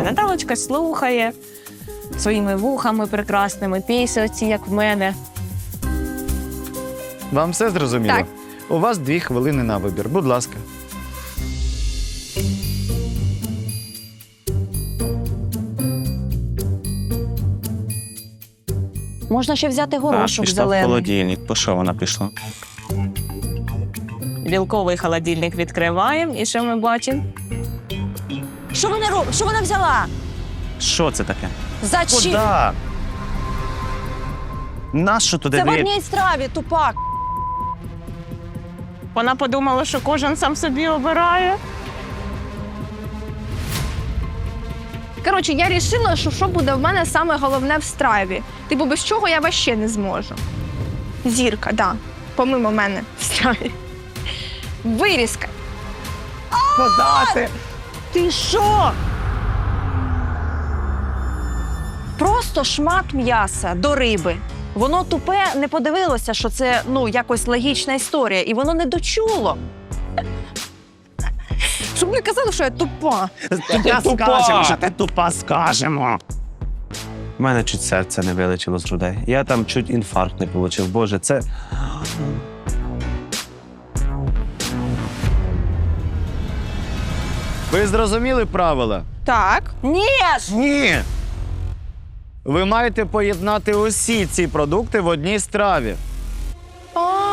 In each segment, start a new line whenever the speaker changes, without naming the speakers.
Наталочка слухає своїми вухами прекрасними, пісні оці, як в мене.
Вам все зрозуміло?
Так.
У вас 2 хвилини на вибір. Будь ласка.
Можна ще взяти горошок
Пішла в
зелений.
холодильник. По що вона пішла?
Білковий холодильник відкриваємо, і що ми бачимо?
Що вона робить? Що вона взяла?
Що це таке?
Зачем?
Куда? Нащо туди
Це в
дві?
одній страві, тупак.
Вона подумала, що кожен сам собі обирає.
Коротше, я вирішила, що буде в мене саме головне в страві. Типу, без чого я вообще не зможу. Зірка, да. Помимо мене в страві. Вирізка.
Подати!
Ти що? Просто шмат м'яса до риби. Воно тупе не подивилося, що це, якось логічна історія, і воно не дочуло.
Щоб не казали, що я тупа.
Тупа скажемо, що ти тупа скажемо. У мене чуть серце не вилетіло з грудей. Я там чуть інфаркт не отримав. Боже, це...
Ви зрозуміли правила?
Так.
Ні ж!
Ні!
Ви маєте поєднати усі ці продукти в одній страві.
А.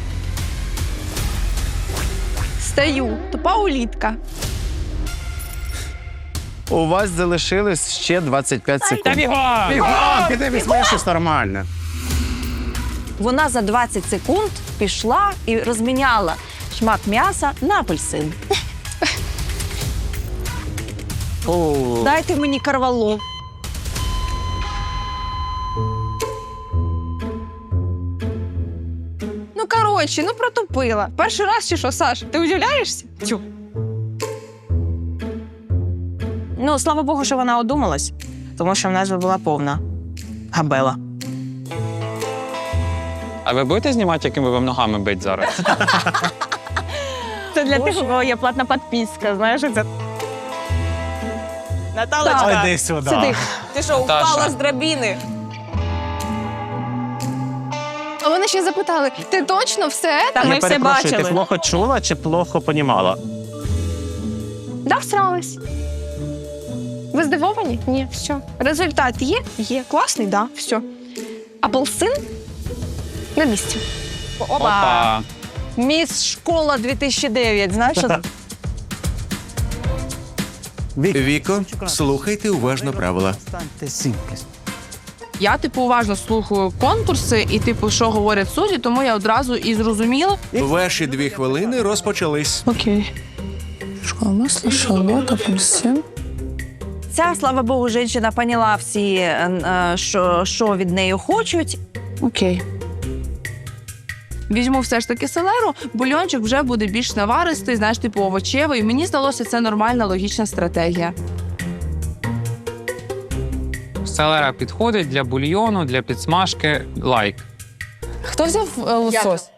Стаю. Тупа улітка.
У вас залишилось ще 25 секунд.
Бігом, піди візьми щось нормальне.
Вона за 20 секунд пішла і розміняла шмат м'яса на апельсин. Дайте мені карвалол.
Ну, коротше, протупила. Перший раз чи що, Саш? Ти удивляєшся? Тю.
Ну, слава Богу, що вона одумалась, тому що в нас би була повна габела.
А ви будете знімати, якими вам ногами бить зараз?
Це для тих, у кого є платна підписка, знаєш, це... Наталочка,
Іди сюди.
Сиди.
ти що,
Наташа.
впала з драбини?
А вони ще запитали, ти точно все?
Та ми
Я
все
перепрошую, ти
бачили.
плохо чула чи плохо понімала?
Да, всралась. Ви здивовані? Ні, все. Результат є? Є. Класний, да, все. Апельсин на місці.
Опа!
Міс Школа 2009, знаєш? що це?
Віко, слухайте уважно правила.
Я, уважно слухаю конкурси і, що говорять судді, тому я одразу і зрозуміла.
Ваші 2 хвилини розпочались.
Окей. Масло, шалот, апельсин.
Ця, слава Богу, жінка поняла всі, що від неї хочуть.
Окей. Візьму все ж таки селеру, бульончик вже буде більш наваристий, знаєш, овочевий. І мені здалося, це нормальна, логічна стратегія.
Селера підходить для бульйону, для підсмажки. Лайк.
Хто взяв лосось?